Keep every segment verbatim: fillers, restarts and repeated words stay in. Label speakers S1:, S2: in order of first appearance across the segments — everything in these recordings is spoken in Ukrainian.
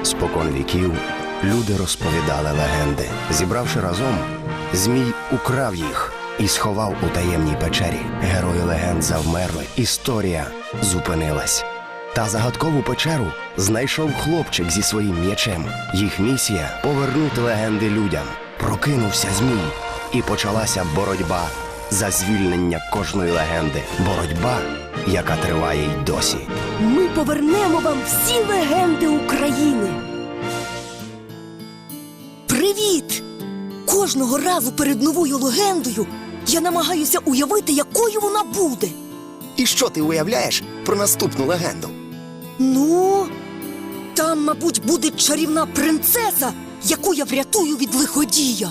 S1: Спокон віків люди розповідали легенди. Зібравши разом, Змій украв їх і сховав у таємній печері. Герої легенд завмерли, історія зупинилась. Та загадкову печеру знайшов хлопчик зі своїм м'ячем. Їх місія – повернути легенди людям. Прокинувся Змій, і почалася боротьба за звільнення кожної легенди. Боротьба, яка триває й досі.
S2: Ми повернемо вам всі легенди України. Привіт! Кожного разу перед новою легендою я намагаюся уявити, якою вона буде.
S3: І що ти уявляєш про наступну легенду?
S2: Ну, там, мабуть, буде чарівна принцеса, яку я врятую від лиходія.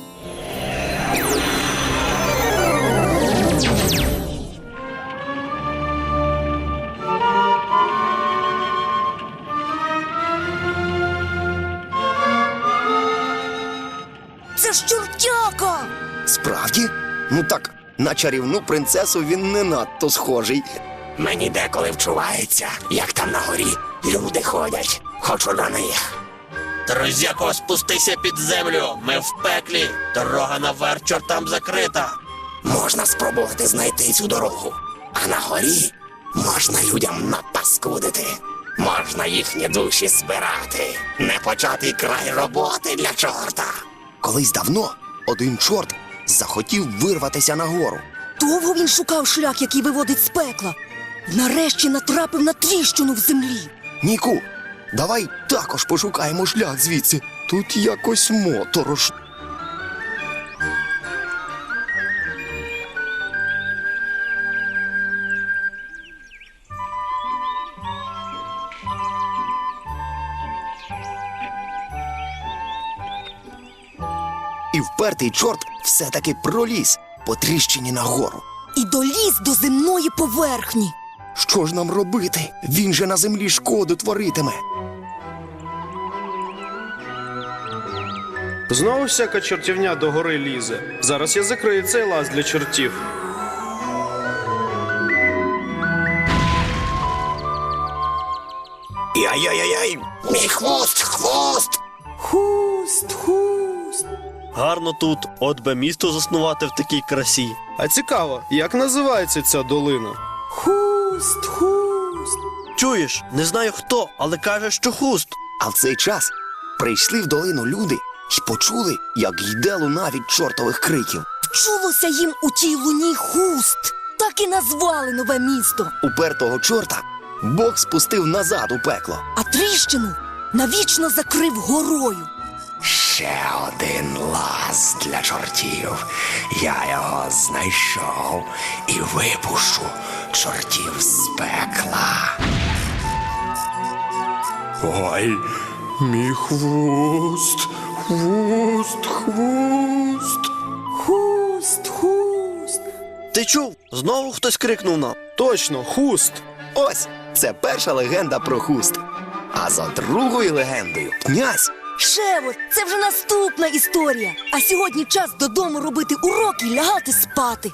S2: Це ж чортяка!
S3: Справді? Ну так, на чарівну принцесу він не надто схожий.
S4: Мені деколи вчувається, як там на горі люди ходять. Хочу до них. Друзяко, спустися під землю. Ми в пеклі. Дорога наверх чортам закрита. Можна спробувати знайти цю дорогу. А на горі можна людям напаскудити. Можна їхні душі збирати. Непочатий край роботи для чорта.
S3: Колись давно один чорт захотів вирватися нагору.
S2: Довго він шукав шлях, який виводить з пекла. Нарешті натрапив на тріщину в землі.
S3: Ніку, давай також пошукаємо шлях звідси. Тут якось моторошно. І впертий чорт все-таки проліз по тріщині нагору.
S2: І доліз до земної поверхні.
S3: Що ж нам робити? Він же на землі шкоду творитиме.
S5: Знову всяка чортівня до гори лізе. Зараз я закрию цей лаз для чортів.
S4: Яй-яй-яй, мій хвост, хвост!
S2: Хуст, хуст.
S6: Гарно тут, от би місто заснувати в такій красі.
S5: А цікаво, як називається ця долина?
S2: Хуст, хуст.
S6: Чуєш, не знаю хто, але каже, що хуст.
S3: А в цей час прийшли в долину люди і почули, як йде луна від чортових криків.
S2: Вчулося їм у тій луні хуст. Так і назвали нове місто.
S3: Упертого чорта Бог спустив назад у пекло.
S2: А тріщину навічно закрив горою.
S4: Ще один лаз для чортів. Я його знайшов і випущу чортів з пекла.
S5: Ой, мій хвост, хвост, хвост.
S2: Хуст, хуст.
S6: Ти чув? Знову хтось крикнув нам.
S5: Точно, хуст.
S3: Ось, це перша легенда про хуст. А за другою легендою князь.
S2: Шево, це вже наступна історія. А сьогодні час додому робити уроки і лягати спати.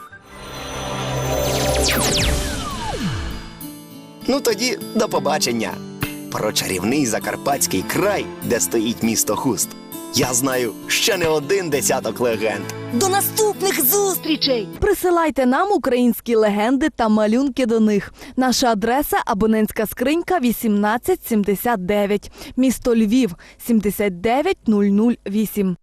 S3: Ну тоді до побачення. Про чарівний закарпатський край, де стоїть місто Хуст, я знаю ще не один десяток легенд.
S2: До наступних зустрічей!
S7: Присилайте нам українські легенди та малюнки до них. Наша адреса – абонентська скринька вісімнадцять сімдесят дев'ять. Місто Львів – сімдесят дев'ять нуль нуль вісім.